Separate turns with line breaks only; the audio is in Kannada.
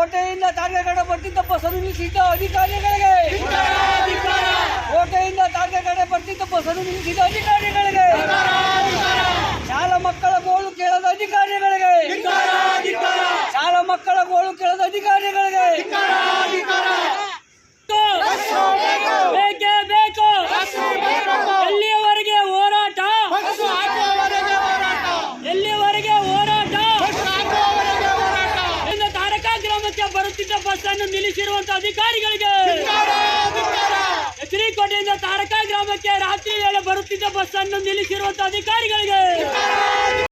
ಕೋಟೆಯಿಂದ ತಾರಕಗಡ ಬರ್ತಿದ್ದ ಬಸ್ಸನ್ನು ನಿಲ್ಲಿಸಿದ್ದ ಅಧಿಕಾರಿಗಳಿಗೆ, ಕೋಟೆಯಿಂದ ತಾರಕಗಡ ಬರ್ತಿದ್ದ ಬಸ್ಸನ್ನು ನಿಲ್ಲಿಸಿದ ಅಧಿಕಾರಿಗಳಿಗೆ, ಶಾಲಾ ಮಕ್ಕಳ ಗೋಳು ಕೇಳದ ಅಧಿಕಾರಿಗಳಿಗೆ, ಶಾಲಾ ಮಕ್ಕಳ ಗೋಳು ಕೇಳದ ಅಧಿಕಾರಿಗಳಿಗೆ ಬೇಕೇ ಬೇಕು. ಎಲ್ಲಿಯವರೆಗೆ ಹೋರಾಟ? ಎಲ್ಲಿಯವರೆಗೆ ಹೋರಾಟ? ತಾರಕ ಗ್ರಾಮಕ್ಕೆ ಬರುತ್ತಿದ್ದ ಬಸ್ ಅನ್ನು ನಿಲ್ಲಿಸಿರುವಂತಹ ಅಧಿಕಾರಿಗಳಿಗೆ, ಶ್ರೀಕೋಟೆಯಿಂದ ತಾರಕ ಗ್ರಾಮಕ್ಕೆ ರಾತ್ರಿ ವೇಳೆ ಬರುತ್ತಿದ್ದ ಬಸ್ ಅನ್ನು ನಿಲ್ಲಿಸಿರುವಂತಹ ಅಧಿಕಾರಿಗಳಿಗೆ